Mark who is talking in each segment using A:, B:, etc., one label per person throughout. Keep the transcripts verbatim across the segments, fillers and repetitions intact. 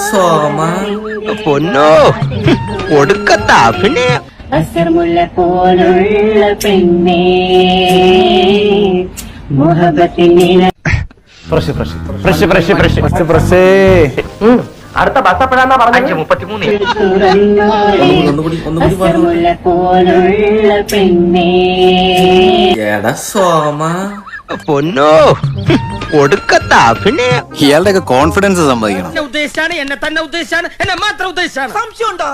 A: സോമ
B: പൊന്നോ ഒടുക്കത്ത അഭിനയം.
C: അസർമുല്ല പോലുള്ള പെണ്ണേ മുഹബത്തിൻ
B: അടുത്ത ബസ് എപ്പോഴാന്നാ പറഞ്ഞത്? മുപ്പത്തിമൂന്ന്.
A: ഒന്നുകൂടി ഒന്നുകൂടി പറഞ്ഞു.
C: അസർമുല്ല പോലുള്ള പെണ്ണേ
A: എടാ സോമ
B: പൊന്നോ ഒടുക്കത്ത അഭിനയം.
D: ഇയാളുടെ ഒക്കെ കോൺഫിഡൻസ് സമ്മതിക്കണം.
E: ഉദ്ദേശിച്ചാണ് എന്നെ തന്നെ ഉദ്ദേശിച്ചാണ് എന്നെ മാത്രം ഉദ്ദേശിച്ചാണ്. സംശയമുണ്ടോ?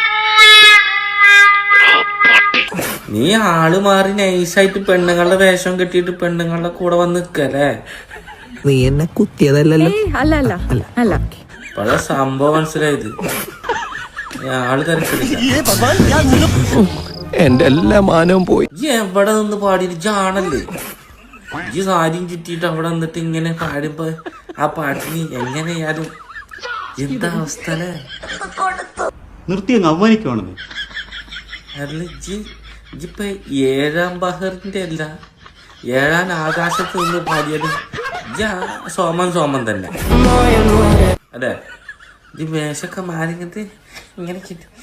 A: നീ ആള് മാറി നൈസായിട്ട് പെണ്ണുങ്ങളുടെ വേഷം കെട്ടിയിട്ട് പെണ്ണുങ്ങളുടെ കൂടെ വന്ന് നിക്കല്ലേ?
F: നീ എന്നെ കുത്തിയതല്ലല്ലോ.
G: അല്ല അല്ല അല്ല
A: പല സംഭവം മനസ്സിലായത്. ആള് തിരക്കില്ല.
D: എന്റെ എല്ലാ മാനവും പോയി.
A: ഈ എവിടെ നിന്ന് പാടിയിട്ട് ജാണല്ലേ ഈ സാരിയും ചുറ്റിയിട്ട് അവിടെ നിന്നിട്ട് ഇങ്ങനെ പാടുമ്പോ ആ പാട്ടിന് എങ്ങനെയാലും എന്താ അവസ്ഥ അല്ലേ?
H: നിർത്തി അങ്ങ് അവമാനിക്കുവാണെന്ന്.
A: അല്ല ജി ഇപ്പൊ ഏഴാം ബഹറിന്റെ അല്ല ഏഴാം ആകാശത്ത് നിന്ന് പാടിയത് സോമൻ സോമൻ തന്നെ അല്ലേ? ഈ വേഷമൊക്കെ മാറിങ്ങട്ട് ഇങ്ങനെ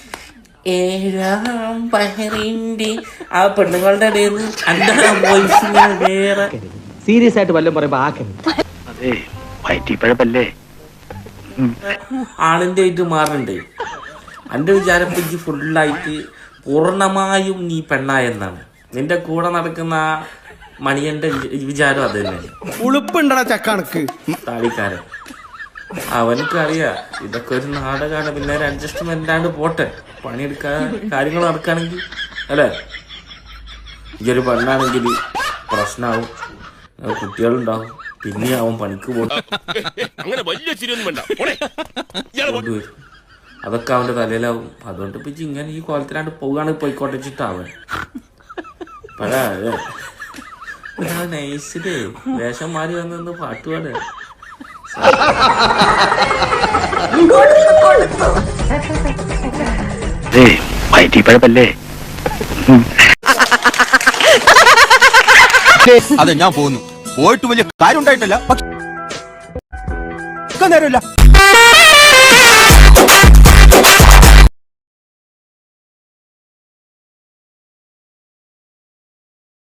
A: ഏഴാം ബഹറിന്റെ ആ പെണ്ണുങ്ങളുടെ ഇടയിൽ നിന്ന് അന്റെ വോയിസ് ഇങ്ങനെ വേറെ
E: സീരിയസ് ആയിട്ട് വല്ലതും പറയുമ്പോ ആക്കരുത്.
B: അതെ വയറ്റിപ്പഴപ്പല്ലേ.
A: ആളിന്റെ ആയിട്ട് മാറണ്ടേ? എന്റെ വിചാരം ഇജ്ജ് ഫുള്ളായിട്ട് പൂർണ്ണമായും നീ പെണ്ണായെന്നാണ്. നിന്റെ കൂടെ നടക്കുന്ന ആ മണിയന്റെ വിചാരം അത് തന്നെ.
E: ഉളുപ്പുണ്ടടാ ചക്കണക്ക്
A: താടിക്കാരൻ അവനക്ക് അറിയാം ഇതൊക്കെ ഒരു നാടകമാണ്. പിന്നെ ഒരു അഡ്ജസ്റ്റ്മെന്റ് ആണ്ട് പോട്ടെ. പണിയെടുക്കാൻ കാര്യങ്ങൾ നടക്കുകയാണെങ്കിൽ അല്ലേ? ഇതൊരു പെണ്ണാണെങ്കിൽ പ്രശ്നമാവും, കുട്ടികളുണ്ടാവും, പിന്നെ അവൻ പണിക്ക് പോട്ടും. അതൊക്കെ അവന്റെ തലയിലാവും. അതുകൊണ്ട് ഇപ്പൊ ഇങ്ങനെ ഈ കോലത്തിലാണ്ട് പോവുകയാണെങ്കിൽ പോയിക്കോട്ടെ വെച്ചിട്ടാവൻ പല നൈസിലേ വേഷം മാറി വന്നു പാട്ടുപാട്.
B: വയറ്റിപ്പഴപ്പല്ലേ.
D: അതെ ഞാൻ പോകുന്നു. പോയിട്ട് വലിയ കാര്യം ഉണ്ടായിട്ടല്ല, പക്ഷെ നേരമില്ല.